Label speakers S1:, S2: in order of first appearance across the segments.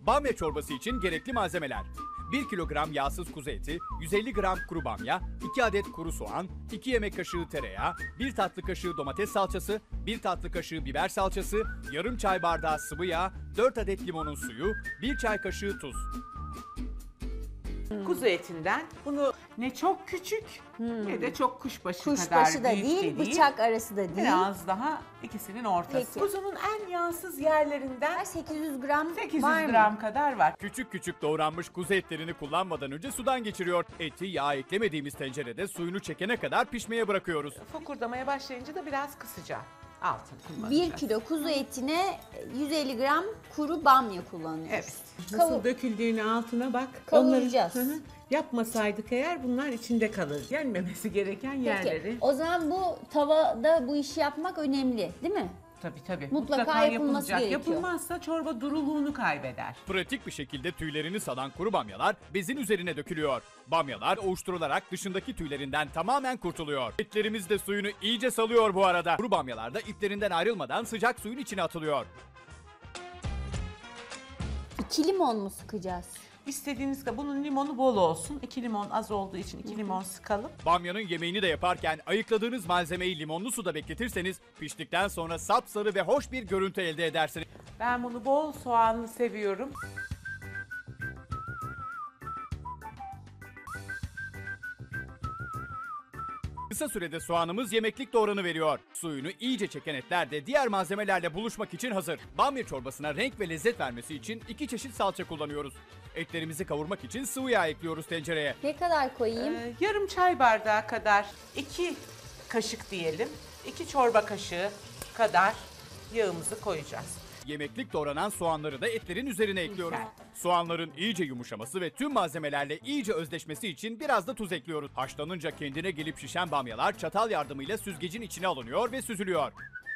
S1: Bamya çorbası için gerekli malzemeler: 1 kilogram yağsız kuzu eti, 150 gram kuru bamya, 2 adet kuru soğan, 2 yemek kaşığı tereyağı, 1 tatlı kaşığı domates salçası, 1 tatlı kaşığı biber salçası, yarım çay bardağı sıvı yağ, 4 adet limonun suyu, 1 çay kaşığı tuz.
S2: Kuzu etinden bunu ne çok küçük ne de çok kuşbaşı kadar
S3: Kuşbaşı da
S2: büyük de
S3: değil, bıçak arası da değil.
S2: Biraz daha ikisinin ortası.
S3: Peki.
S2: Kuzunun en yağsız yerlerinden
S3: 800 gram
S2: 800
S3: var mı?
S2: gram kadar var.
S1: Küçük küçük doğranmış kuzu etlerini kullanmadan önce sudan geçiriyor. Eti yağ eklemediğimiz tencerede suyunu çekene kadar pişmeye bırakıyoruz.
S2: Fokurdamaya başlayınca da biraz kısacağım. Altın
S3: 1
S2: kullanacağız.
S3: kilo kuzu etine 150 gram kuru bamya kullanıyoruz.
S2: Evet.
S4: Nasıl döküldüğünü altına bak.
S3: Kavuracağız.
S4: Onları, yapmasaydık eğer bunlar içinde kalır. Yenmemesi gereken yerleri.
S3: Peki, o zaman bu tavada bu işi yapmak önemli değil mi?
S2: Tabii.
S3: Mutlaka yapılması
S2: yapılacak.
S3: gerekiyor.
S2: Yapılmazsa çorba duruluğunu kaybeder.
S1: Pratik bir şekilde tüylerini salan kuru bamyalar bezin üzerine dökülüyor. Bamyalar ovuşturularak dışındaki tüylerinden tamamen kurtuluyor. Etlerimiz de suyunu iyice salıyor bu arada. Kuru bamyalar da iplerinden ayrılmadan sıcak suyun içine atılıyor.
S3: 2 limon mu sıkacağız?
S2: İstediğiniz kadar bunun limonu bol olsun. 2 limon az olduğu için 2 limon sıkalım.
S1: Bamyanın yemeğini de yaparken ayıkladığınız malzemeyi limonlu suda bekletirseniz piştikten sonra sapsarı ve hoş bir görüntü elde edersiniz.
S2: Ben bunu bol soğanlı seviyorum.
S1: Kısa sürede soğanımız yemeklik doğranı veriyor. Suyunu iyice çeken etler de diğer malzemelerle buluşmak için hazır. Bamya çorbasına renk ve lezzet vermesi için 2 çeşit salça kullanıyoruz. Etlerimizi kavurmak için sıvı yağ ekliyoruz tencereye.
S3: Ne kadar koyayım?
S2: Yarım çay bardağı kadar 2 kaşık diyelim. 2 çorba kaşığı kadar yağımızı koyacağız.
S1: Yemeklik doğranan soğanları da etlerin üzerine ekliyoruz.
S2: Güzel.
S1: Soğanların iyice yumuşaması ve tüm malzemelerle iyice özdeşmesi için biraz da tuz ekliyoruz. Haşlanınca kendine gelip şişen bamyalar çatal yardımıyla süzgecin içine alınıyor ve süzülüyor.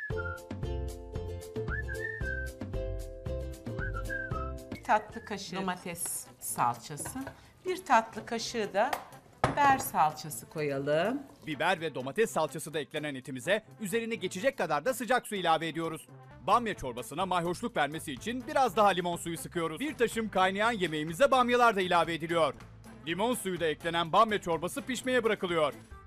S2: Bir tatlı kaşığı domates salçası. Bir tatlı kaşığı da biber salçası koyalım.
S1: Biber ve domates salçası da eklenen etimize üzerine geçecek kadar da sıcak su ilave ediyoruz. Bamya çorbasına mayhoşluk vermesi için biraz daha limon suyu sıkıyoruz. Bir taşım kaynayan yemeğimize bamyalar da ilave ediliyor. Limon suyu da eklenen bamya çorbası pişmeye bırakılıyor.